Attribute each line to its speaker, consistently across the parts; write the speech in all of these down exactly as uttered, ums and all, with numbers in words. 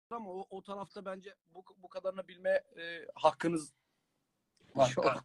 Speaker 1: ama o, o tarafta bence bu, bu kadarını bilme e, hakkınız
Speaker 2: Var.
Speaker 1: yok.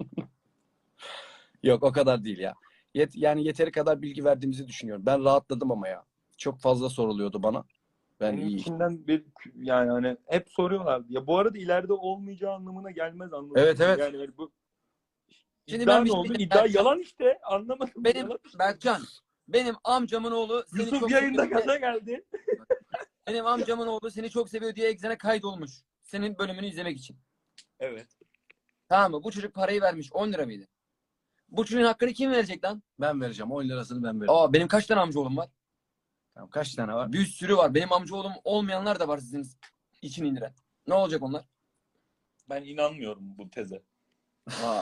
Speaker 1: Yok, o kadar değil ya. Yet, yani yeteri kadar bilgi verdiğimizi düşünüyorum. Ben rahatladım ama ya. Çok fazla soruluyordu bana. Ben
Speaker 2: Benim
Speaker 1: iyi.
Speaker 2: içimden bir yani hani hep soruyorlar. Ya bu arada ileride olmayacağı anlamına gelmez anladın
Speaker 1: Evet,
Speaker 2: mı?
Speaker 1: evet.
Speaker 2: Yani hani bu
Speaker 3: Şimdi
Speaker 2: iddia
Speaker 3: ben bir
Speaker 2: ne
Speaker 3: şey
Speaker 2: oldu?
Speaker 3: diyeyim,
Speaker 2: İddia
Speaker 3: Berkcan.
Speaker 2: yalan işte. Anlamadım.
Speaker 3: Benim
Speaker 2: Yalan işte.
Speaker 3: Berkcan, benim amcamın oğlu seni
Speaker 2: Yusuf
Speaker 3: çok
Speaker 2: yayında
Speaker 3: seviyor diye,
Speaker 2: gaza geldi.
Speaker 3: benim amcamın oğlu seni çok seviyor diye Exxen'e kaydolmuş. Senin bölümünü izlemek için.
Speaker 2: Evet.
Speaker 3: Tamam mı? Bu çocuk parayı vermiş. on lira mıydı? Bu çocuğun hakkını kim verecek lan?
Speaker 1: Ben vereceğim. on lirasını ben veririm.
Speaker 3: Aa, benim kaç tane amca oğlum var?
Speaker 1: Tamam, kaç tane var?
Speaker 3: Bir sürü var. Benim amca oğlum olmayanlar da var sizin için indiren. Ne olacak onlar?
Speaker 2: Ben inanmıyorum bu teze.
Speaker 3: Aa.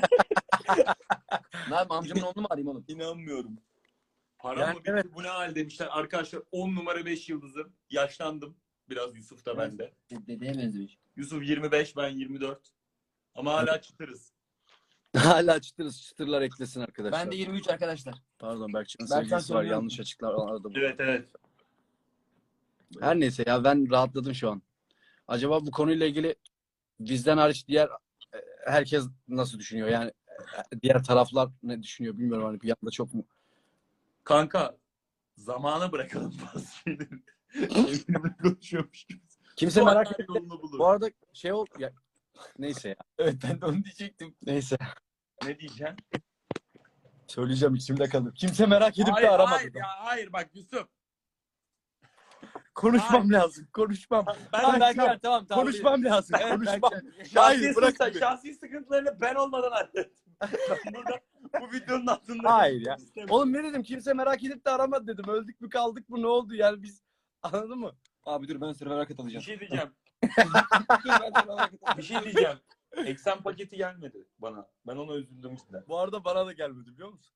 Speaker 3: Ne yapayım, amcamın oğlunu mu arayayım oğlum?
Speaker 2: İnanmıyorum. Param
Speaker 1: Yani
Speaker 2: mı bitti
Speaker 1: evet.
Speaker 2: bu ne hal demişler. Arkadaşlar on numara beş yıldızım. Yaşlandım. Biraz Yusuf da bende.
Speaker 3: Dedeye benzemiş.
Speaker 2: Yusuf yirmi beş, ben yirmi dört. Ama hala çıtırız.
Speaker 1: Hala çıtırız. Çıtırlar eklesin arkadaşlar.
Speaker 3: Ben de yirmi üç arkadaşlar.
Speaker 1: Pardon, Berkcan'ın
Speaker 3: Berkcan
Speaker 1: sevgilisi var.
Speaker 3: söylüyorum.
Speaker 1: Yanlış açıklar aradım.
Speaker 2: Evet evet.
Speaker 1: Her neyse ya, ben rahatladım şu an. Acaba bu konuyla ilgili bizden hariç diğer e, herkes nasıl düşünüyor? Yani e, diğer taraflar ne düşünüyor bilmiyorum. Hani bir anda çok mu?
Speaker 2: Kanka zamana bırakalım bazı şeyleri. Evimde konuşuyormuş gibi.
Speaker 1: Kimse
Speaker 2: Sonra
Speaker 1: merak etmiyor.
Speaker 2: yolunu bulur.
Speaker 1: Bu arada şey ol ya, neyse ya.
Speaker 3: Evet, ben de onu diyecektim.
Speaker 1: Neyse.
Speaker 2: Ne diyeceksin?
Speaker 1: Söyleyeceğim, içimde kalır. Kimse merak edip
Speaker 2: Hayır,
Speaker 1: de aramadı.
Speaker 2: hayır, ya, hayır bak Yusuf.
Speaker 1: Konuşmam
Speaker 2: Hayır.
Speaker 1: lazım. Konuşmam.
Speaker 2: Ben
Speaker 3: Tamam
Speaker 1: Berkcan,
Speaker 3: Berkcan, tamam tamam.
Speaker 1: konuşmam lazım.
Speaker 3: Evet,
Speaker 1: Konuşmam.
Speaker 3: Berkcan.
Speaker 2: şahsi,
Speaker 1: Hayır, bırak
Speaker 2: sıkıntı-
Speaker 1: beni.
Speaker 2: şahsi sıkıntılarını ben olmadan hallettim. Burada bu videonun altında.
Speaker 1: Hayır ya. Oğlum ne dedim? Kimse merak edip de aramadı dedim. Öldük mü kaldık mı, ne oldu yani biz, anladın mı?
Speaker 3: Abi dur, ben Survivor'a
Speaker 2: Bir
Speaker 3: katılacağım.
Speaker 2: şey diyeceğim.
Speaker 3: Dur, ben Survivor'a katılacağım.
Speaker 2: Bir şey diyeceğim. Eksen paketi gelmedi bana. Ben ona üzüldüm işte.
Speaker 1: Bu arada bana da gelmedi, biliyor musun?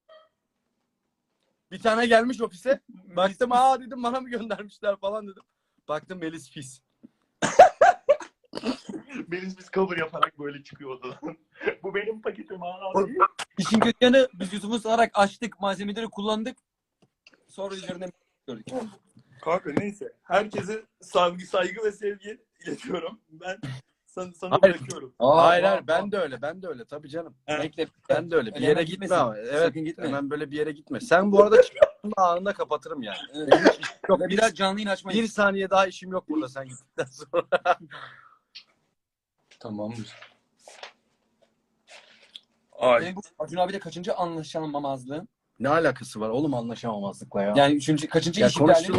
Speaker 1: Bir tane gelmiş ofise. Baktım, aa dedim, bana mı göndermişler falan dedim. Baktım Melis pis.
Speaker 2: Melis biz cover yaparak böyle çıkıyor odadan. Bu benim paketim hala değil.
Speaker 3: İşin kötü yanı, biz Yusuf'u sararak açtık, malzemeleri kullandık. Sonra üzerine gördük.
Speaker 2: Kanka neyse. Herkese saygı, saygı ve sevgi iletiyorum. Ben sana, sana
Speaker 1: Hayır.
Speaker 2: bırakıyorum.
Speaker 3: Aa,
Speaker 1: hayır
Speaker 3: aa,
Speaker 1: hayır,
Speaker 3: aa.
Speaker 1: ben de öyle, ben de öyle tabii canım.
Speaker 2: Ha.
Speaker 3: Bekle.
Speaker 1: Ben de öyle. Bir
Speaker 3: Öyle
Speaker 1: yere
Speaker 3: hemen
Speaker 1: gitme
Speaker 3: gitmesin.
Speaker 1: ama. Evet.
Speaker 3: Sakın gitme.
Speaker 1: Hemen böyle bir yere gitme. Sen bu arada çıktığında anında kapatırım yani.
Speaker 3: Evet.
Speaker 1: Benim hiç işim yok.
Speaker 3: Ve
Speaker 1: Bir,
Speaker 3: biraz canlı yayın açmayız.
Speaker 1: bir saniye daha işim yok burada sen gittikten sonra.
Speaker 2: Tamamdır. Ay.
Speaker 3: Benim bu Acun abi de kaçıncı anlaşamamazlığın?
Speaker 1: Ne alakası var oğlum anlaşamamazlıkla ya?
Speaker 3: Yani üçüncü, kaçıncı
Speaker 1: Ya
Speaker 3: iş ihlali?
Speaker 1: konuştuğun